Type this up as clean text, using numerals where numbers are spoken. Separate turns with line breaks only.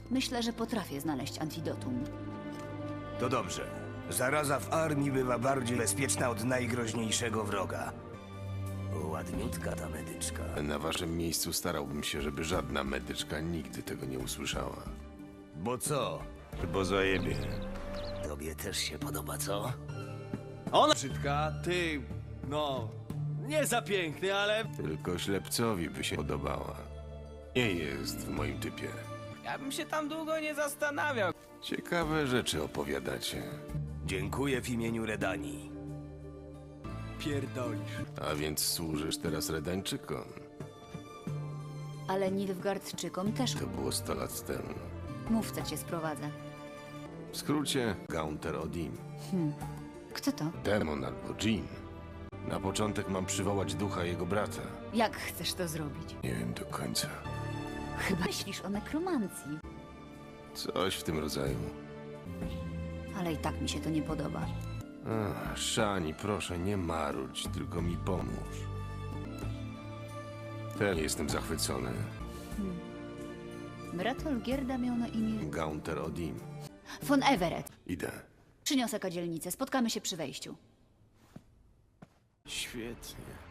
Myślę, że potrafię znaleźć antidotum.
To dobrze. Zaraza w armii bywa bardziej bezpieczna od najgroźniejszego wroga. Ładniutka ta medyczka.
Na waszym miejscu starałbym się, żeby żadna medyczka nigdy tego nie usłyszała.
Bo co?
Bo zajebie.
Tobie też się podoba, co?
Ona brzydka, ty, no, nie za piękny, ale...
Tylko ślepcowi by się podobała. Nie jest w moim typie.
Ja bym się tam długo nie zastanawiał.
Ciekawe rzeczy opowiadacie.
Dziękuję w imieniu Redanii.
Pierdolisz.
A więc służysz teraz Redańczykom.
Ale Nilfgaardczykom też
To było 100 lat temu.
mówca cię sprowadza.
W skrócie, Gaunter Odin.
Kto to?
Demon albo dżin. Na początek mam przywołać ducha jego brata.
Jak chcesz to zrobić?
Nie wiem do końca.
Chyba myślisz o nekromancji.
Coś w tym rodzaju.
Ale i tak mi się to nie podoba.
Ach, Szani, proszę, nie marudź, tylko mi pomóż. Też jestem zachwycony.
Brat Olgierda miał na imię
Gaunter Odin.
von Everett.
Idę.
Przyniosę kadzielnicę. Spotkamy się przy wejściu.
Świetnie.